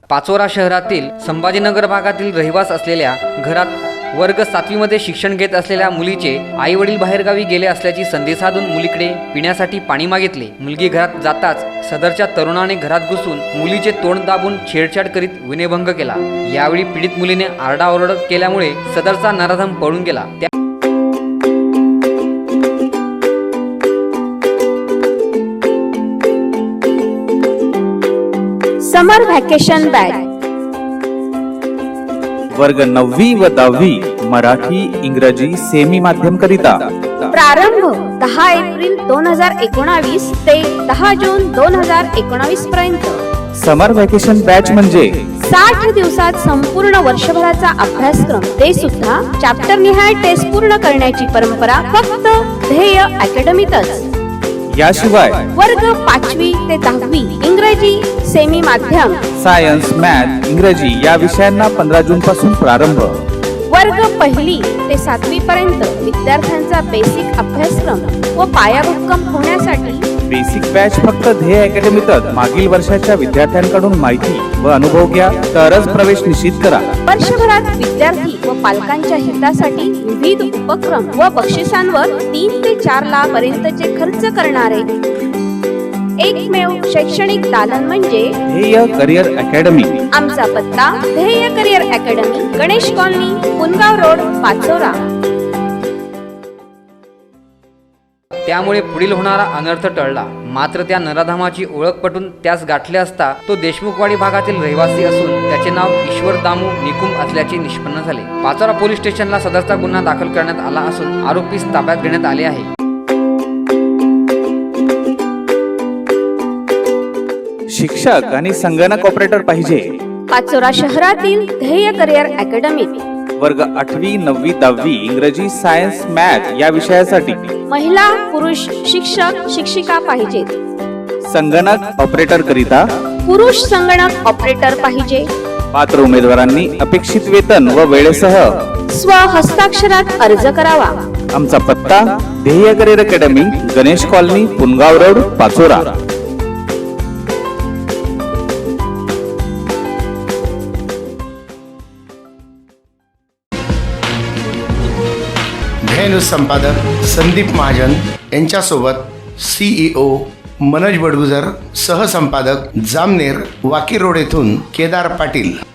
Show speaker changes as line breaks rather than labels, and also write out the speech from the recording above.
पाचोरा शहरातील संभाजीनगर भागातील रहिवास असलेल्या घरात वर्ग 7वी मध्ये शिक्षण घेत असलेल्या मुलीचे आई वडील बाहेरगावी गेले असल्याची संधी साधून मुलीकडे पिण्यासाठी पाणी मागितले। मुलगी घरात जाताच सदरच्या तरुणाने घरात घुसून मुलीचे तोंड दाबून छेडछाड करीत विनयभंग केला। यावेळी पीडित मुलीने आरडाओरड केल्यामुळे सदरचा नराधम पळून गेला।
समर व्हॅकेशन बॅच
वर्ग 9वी व 10वी मराठी इंग्रजी सेमी माध्यम करिता
प्रारंभ 10 एप्रिल 2019 ते 10 जून 2019 पर्यंत।
समर व्हॅकेशन बॅच म्हणजे
60 दिवसात संपूर्ण वर्षभराचा अभ्यासक्रम, ते सुद्धा चॅप्टर निहाय टेस्ट पूर्ण करण्याची परंपरा फक्त ध्येय अकॅडमीतच।
याशिवाय
वर्ग 5वी ते 10वी इंग्रजी सेमी माध्यम,
सायन्स, मॅथ, इंग्रजी या विषयांना 15 जून पासून प्रारंभ।
वर्ग 1ली ते 7वी पर्यंत विद्यार्थ्यांचा बेसिक अभ्यासक्रम व पायाभक्कम होण्यासाठी
बेसिक बॅच फक्त ध्येय अकॅडमीतच। मागील वर्षाच्या विद्यार्थ्यांकडून माहिती व अनुभव घ्या, तरच प्रवेश निश्चित करा।
वर्षभरात विद्यार्थी व पालकांच्या हितासाठी विविध उपक्रम व बक्षिसांवर 3 ते 4 लाख पर्यंतचे खर्च करणारे एकमेव शैक्षणिक दालन म्हणजे
ध्येय करिअर अकॅडमी।
आमचा पत्ता ध्येय career academy, Ganesh colony, Pungaon road, Pachora.
त्यामुळे पुढील होणारा अनर्थ टळला। मात्र त्या नराधमाची ओळख पटून त्यास गाठले असता तो देशमुखवाडी भागातील रहिवासी असून त्याचे नाव ईश्वर दामू निकुम असल्याचे निष्पन्न झाले। पाचोरा पोलीस स्टेशनला सदरचा गुन्हा दाखल करण्यात आला असून आरोपीस ताब्यात घेण्यात आले आहे।
शिक्षक आणि संगणक ऑपरेटर पाहिजे।
पाचोरा शहरातील ध्येय करिअर अकॅडमीत
वर्ग 8वी, 9वी, 10वी इंग्रजी, सायन्स, मॅथ या विषयासाठी
महिला पुरुष शिक्षक शिक्षिका पाहिजेत।
संगणक ऑपरेटर करिता
पुरुष संगणक ऑपरेटर पाहिजे।
पात्र उमेदवारांनी अपेक्षित वेतन व वेळेसह
स्व हस्ताक्षरात अर्ज करावा।
आमचा पत्ता ध्येय career academy, Ganesh colony, Pungaon road, Pachora.
News संपादक संदीप महाजन यांच्यासोबत CEO मनोज बडगुजर, सहसंपादक जामनेर वाकी रोड येथून केदार पाटील।